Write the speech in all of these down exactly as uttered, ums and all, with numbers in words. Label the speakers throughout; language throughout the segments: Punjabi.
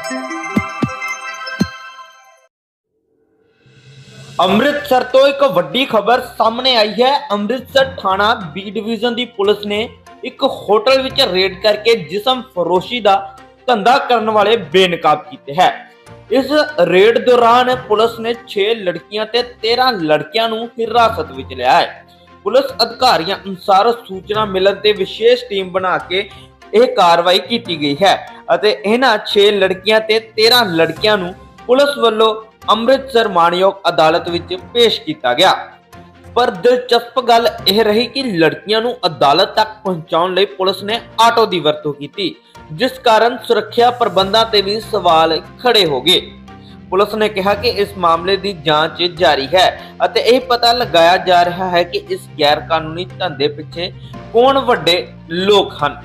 Speaker 1: ਅੰਮ੍ਰਿਤਸਰ ਤੋਂ ਇੱਕ ਵੱਡੀ ਖਬਰ ਸਾਹਮਣੇ ਆਈ ਹੈ। ਅੰਮ੍ਰਿਤਸਰ ਥਾਣਾ ਬੀ ਡਿਵੀਜ਼ਨ ਦੀ ਪੁਲਿਸ ਨੇ ਇੱਕ ਹੋਟਲ ਵਿੱਚ ਰੇਡ ਕਰਕੇ ਜਿਸਮ ਫਰੋਸ਼ੀ ਦਾ ਧੰਦਾ ਕਰਨ ਵਾਲੇ ਬੇਨਕਾਬ ਕੀਤੇ ਹੈ। ਇਸ ਰੇਡ ਦੌਰਾਨ ਪੁਲਿਸ ਨੇ ਛੇ ਲੜਕੀਆਂ ਤੇ ਤੇਰਾਂ ਲੜਕਿਆਂ ਨੂੰ ਹਿਰਾਸਤ ਵਿੱਚ ਲਿਆ ਹੈ। ਪੁਲਿਸ ਅਧਿਕਾਰੀਆਂ ਅਨੁਸਾਰ ਸੂਚਨਾ ਮਿਲਣ ਤੇ ਵਿਸ਼ੇਸ਼ ਟੀਮ ਬਣਾ ਕੇ ਇਹ ਕਾਰਵਾਈ ਕੀਤੀ ਗਈ ਹੈ ਅਤੇ ਇਹਨਾਂ ਛੇ ਲੜਕੀਆਂ ਤੇ ਤੇਰਾਂ ਲੜਕਿਆਂ ਨੂੰ ਪੁਲਿਸ ਵੱਲੋਂ ਅੰਮ੍ਰਿਤਸਰ ਮਾਣਯੋਗ ਅਦਾਲਤ ਵਿੱਚ ਪੇਸ਼ ਕੀਤਾ ਗਿਆ। ਪਰ ਦਿਲਚਸਪ ਗੱਲ ਇਹ ਰਹੀ ਕਿ ਲੜਕੀਆਂ ਨੂੰ ਅਦਾਲਤ ਤੱਕ ਪਹੁੰਚਾਉਣ ਲਈ ਪੁਲਿਸ ਨੇ ਆਟੋ ਦੀ ਵਰਤੋਂ ਕੀਤੀ, ਜਿਸ ਕਾਰਨ ਸੁਰੱਖਿਆ ਪ੍ਰਬੰਧਾਂ ਤੇ ਵੀ ਸਵਾਲ ਖੜੇ ਹੋ ਗਏ। ਪੁਲਿਸ ਨੇ ਕਿਹਾ ਕਿ ਇਸ ਮਾਮਲੇ ਦੀ ਜਾਂਚ ਜਾਰੀ ਹੈ ਅਤੇ ਇਹ ਪਤਾ ਲਗਾਇਆ ਜਾ ਰਿਹਾ ਹੈ ਕਿ ਇਸ ਗੈਰ ਕਾਨੂੰਨੀ ਧੰਦੇ ਪਿੱਛੇ ਕੌਣ ਵੱਡੇ ਲੋਕ ਹਨ।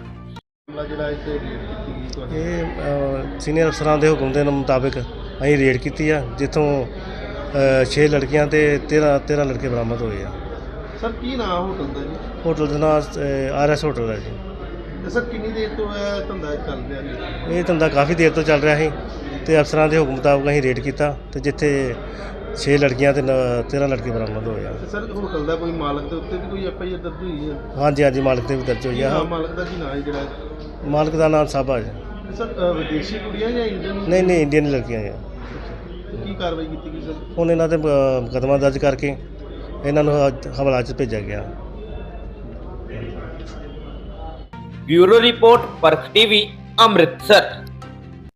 Speaker 2: ਇਹ ਸੀਨੀਅਰ ਅਫਸਰਾਂ ਦੇ ਹੁਕਮ ਦੇ ਮੁਤਾਬਿਕ ਅਸੀਂ ਰੇਡ ਕੀਤੀ ਆ, ਜਿੱਥੋਂ ਛੇ ਲੜਕੀਆਂ ਤੇ ਤੇਰਾਂ ਤੇਰਾਂ ਲੜਕੇ ਬਰਾਮਦ ਹੋਏ ਆ।
Speaker 3: ਸਰ ਕੀ ਨਾਮ ਹੋਟਲ ਦਾ ਜੀ?
Speaker 2: ਹੋਟਲ ਦਾ ਨਾਮ ਆਰ ਐਸ ਹੋਟਲ ਹੈ ਜੀ।
Speaker 3: ਤੇ ਸਰ ਕਿੰਨੀ ਦੇਰ ਤੋਂ ਇਹ ਧੰਦਾ ਚੱਲ ਰਿਹਾ ਜੀ?
Speaker 2: ਇਹ ਧੰਦਾ ਕਾਫੀ ਦੇਰ ਤੋਂ ਚੱਲ ਰਿਹਾ ਸੀ ਤੇ ਅਫਸਰਾਂ ਦੇ ਹੁਕਮ ਮੁਤਾਬਕ ਅਸੀਂ ਰੇਡ ਕੀਤਾ ਤੇ ਜਿੱਥੇ ਛੇ ਲੜਕੀਆਂ ਤੇ ਤੇਰਾਂ ਲੜਕੇ ਬਰਾਮਦ ਹੋਏ ਆ।
Speaker 3: ਸਰ ਹੋਟਲ ਦਾ ਕੋਈ ਮਾਲਕ ਦੇ ਉੱਤੇ ਵੀ ਕੋਈ ਐਫ ਆਈ ਆਰ ਦਰਜ ਹੋਈ ਹੈ?
Speaker 2: ਹਾਂਜੀ ਹਾਂਜੀ, ਮਾਲਕ ਤੇ ਵੀ ਦਰਜ ਹੋਈ ਆ।
Speaker 3: ਮਾਲਕ ਦਾ ਕੀ ਨਾਮ ਹੈ ਜਿਹੜਾ?
Speaker 2: ਮਾਲਕ ਦਾ ਨਾਮ ਸਾਬਾ ਜੀ।
Speaker 3: ਸਰ ਵਿਦੇਸ਼ੀ ਕੁੜੀਆਂ ਜਾਂ ਇੰਡੀਅਨ?
Speaker 2: ਨਹੀਂ ਨਹੀਂ, ਇੰਡੀਅਨ ਲੜਕੀਆਂ ਆ।
Speaker 3: ਕੀ ਕਾਰਵਾਈ ਕੀਤੀ ਗਈ ਸਰ?
Speaker 2: ਹੁਣ ਇਹਨਾਂ ਤੇ ਮੁਕੱਦਮਾ ਦਰਜ ਕਰਕੇ ਇਹਨਾਂ ਨੂੰ ਹਵਾਲਾ 'ਚ ਭੇਜਿਆ ਗਿਆ।
Speaker 1: Bureau report, Parakh TV, Amritsar.